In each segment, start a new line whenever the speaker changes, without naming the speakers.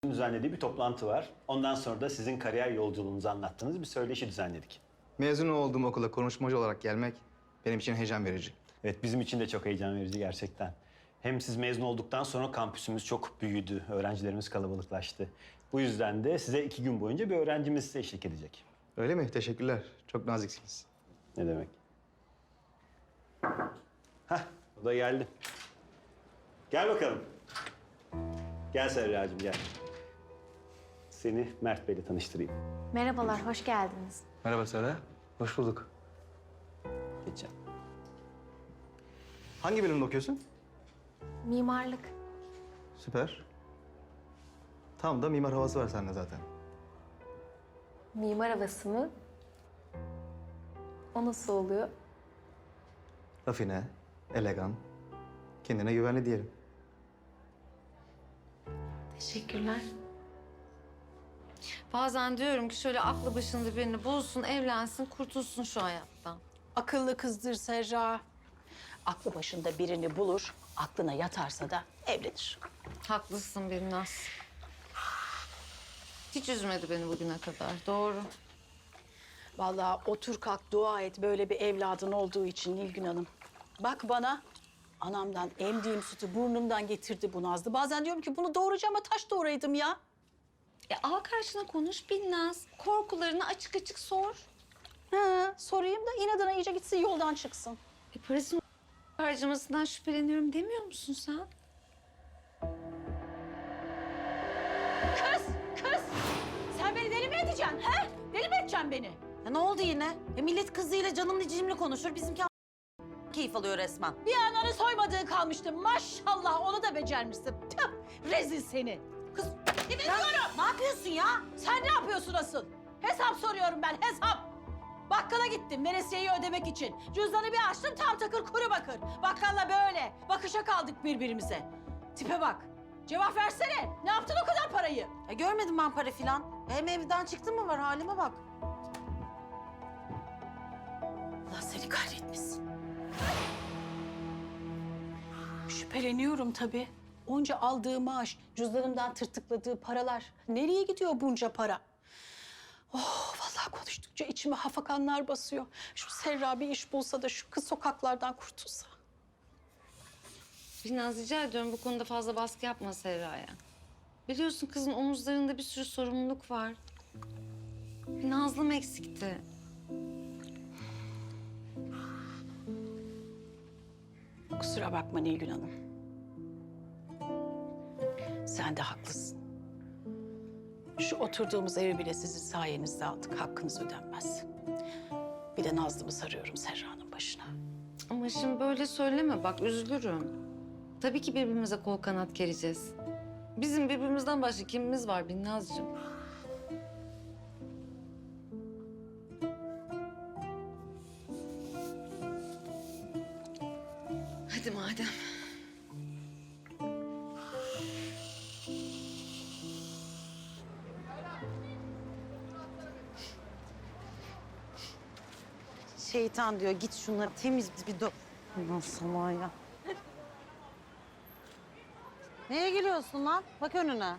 düzenlediği bir toplantı var. Ondan sonra da sizin kariyer yolculuğunuzu anlattığınız bir söyleşi düzenledik.
Mezun olduğum okula konuşmacı olarak gelmek benim için heyecan verici.
Evet, bizim için de çok heyecan verici gerçekten. Hem siz mezun olduktan sonra kampüsümüz çok büyüdü, öğrencilerimiz kalabalıklaştı. Bu yüzden de size 2 gün boyunca bir öğrencimiz size eşlik edecek.
Öyle mi? Teşekkürler. Çok naziksiniz.
Ne demek? Hah, o da geldi. Gel bakalım. Gel Serracığım, gel. Seni Mert Bey'le tanıştırayım.
Merhabalar, hoş geldiniz.
Merhaba Sara. Hoş bulduk.
Geçeceğim.
Hangi bölümde okuyorsun?
Mimarlık.
Süper. Tam da mimar havası var sende zaten.
Mimar havası mı? O nasıl oluyor?
Rafine, elegan, kendine güvenli diyelim.
Teşekkürler.
Bazen diyorum ki şöyle aklı başında birini bulsun, evlensin, kurtulsun şu hayattan.
Akıllı kızdır Serra. Aklı başında birini bulur, aklına yatarsa da evlenir.
Haklısın Binnaz. Hiç üzmedi beni bugüne kadar, doğru.
Vallahi otur kalk dua et böyle bir evladın olduğu için Nilgün Hanım. Bak bana, anamdan emdiğim sütü burnumdan getirdi bu Nazlı. Bazen diyorum ki bunu doğuracağıma taş doğuraydım ya.
Al karşına konuş Binnaz. Korkularını açık açık sor.
Ha, sorayım da inadına iyice gitsin yoldan çıksın.
Parasını harcamasından şüpheleniyorum demiyor musun sen?
Kız! Sen beni deli mi edeceksin he? Deli mi edeceksin beni?
Ya ne oldu yine? Millet kızıyla canımla cicimli konuşur. Bizimki keyif alıyor resmen.
Bir ananı soymadığın kalmıştı. Maşallah onu da becermişsin. Tüh, rezil seni. Kız ne diyorum?
Ne yapıyorsun ya?
Sen ne yapıyorsun asıl? Hesap soruyorum ben, hesap. Bakkala gittim veresiyeyi ödemek için. Cüzdanı bir açtım tam takır kuru bakır. Bakkalla böyle. Bakışa kaldık birbirimize. Tipe bak. Cevap versene. Ne yaptın o kadar parayı?
Ya görmedim ben para filan. Hem evden çıktın mı var halime bak.
Allah seni kahretmesin. Şüpheleniyorum tabii. Onca aldığı maaş, cüzdanımdan tırtıkladığı paralar. Nereye gidiyor bunca para? Oh, vallahi konuştukça içime hafakanlar basıyor. Şu Serra bir iş bulsa da şu kız sokaklardan kurtulsa.
Binnaz rica ediyorum bu konuda fazla baskı yapma Serra'ya. Biliyorsun kızın omuzlarında bir sürü sorumluluk var. Bir Nazlım eksikti.
Kusura bakma Nilgün Hanım. Sen de haklısın. Şu oturduğumuz evi bile sizin sayenizde aldık. Hakkınız ödenmez. Bir de Nazlı'mı sarıyorum Serra'nın başına.
Ama şimdi böyle söyleme bak üzülürüm. Tabii ki birbirimize kol kanat gereceğiz. Bizim birbirimizden başka kimimiz var Binnazcığım? Hadi madem.
Şeytan diyor git şunları temiz bir do... Aman salağa ya. Neye gülüyorsun lan? Bak önüne.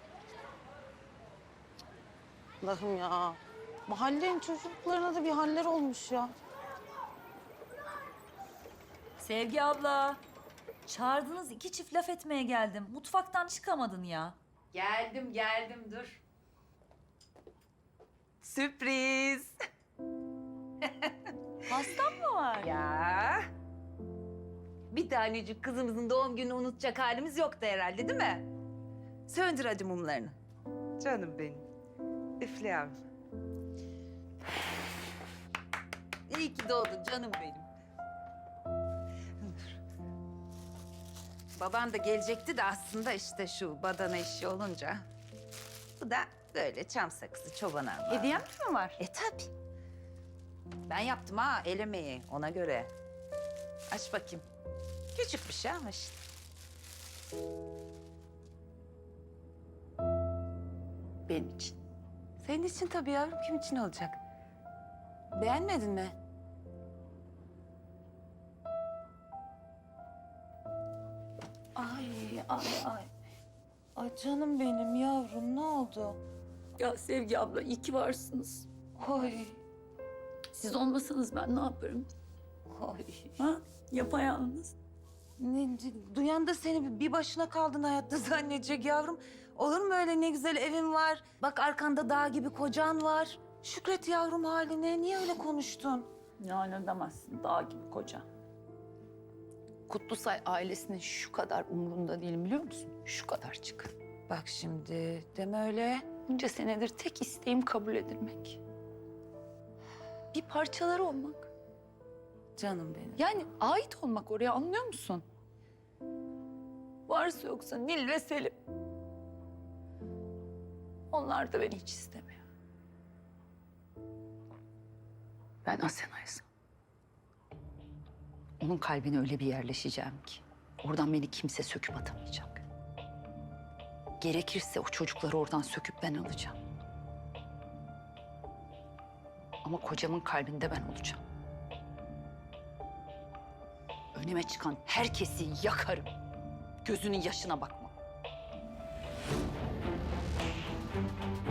Allah'ım ya. Mahallenin çocuklarına da bir haller olmuş ya.
Sevgi abla, çağırdınız 2 çift laf etmeye geldim. Mutfaktan çıkamadın ya.
Geldim dur. Sürpriz.
Hastan mı var?
Ya. Bir tanecik kızımızın doğum gününü unutacak halimiz yoktu herhalde değil mi? Söndür hadi mumlarını. Canım benim. Üfle yavrum. İyi ki doğdun canım benim. Baban da gelecekti de aslında işte şu badana işi olunca. Bu da böyle çam sakızı çoban armağanı.
Hediyem mi var?
Tabii. Ben yaptım ha el emeği ona göre. Aç bakayım. Küçük bir şey ama işte.
Benim için.
Senin için tabii yavrum kim için olacak? Beğenmedin mi?
Ay.
Ay canım benim yavrum, ne oldu?
Ya Sevgi abla iyi ki varsınız.
Oy,
Siz olmasanız ben ne yaparım?
oy.
Ha? Yapayalnız.
Duyan da seni bir başına kaldın hayatta zannedecek yavrum. Olur mu öyle, ne güzel evin var. Bak arkanda dağ gibi kocan var. Şükret yavrum haline. Niye öyle konuştun?
Yani demezsin dağ gibi koca. Kutlusay ailesinin şu kadar umurunda değilim biliyor musun? Şu kadarcık.
Bak şimdi deme öyle.
Bunca senedir tek isteğim kabul edilmek. Bir parçaları olmak.
Canım benim.
Yani ait olmak oraya, anlıyor musun? Varsa yoksa Nil ve Selim. Onlar da beni hiç istemiyor. Ben Asena'ysam onun kalbine öyle bir yerleşeceğim ki oradan beni kimse söküp atamayacak. Gerekirse o çocukları oradan söküp ben alacağım. Ama kocamın kalbinde ben olacağım. Önüme çıkan herkesi yakarım. Gözünün yaşına bakmam.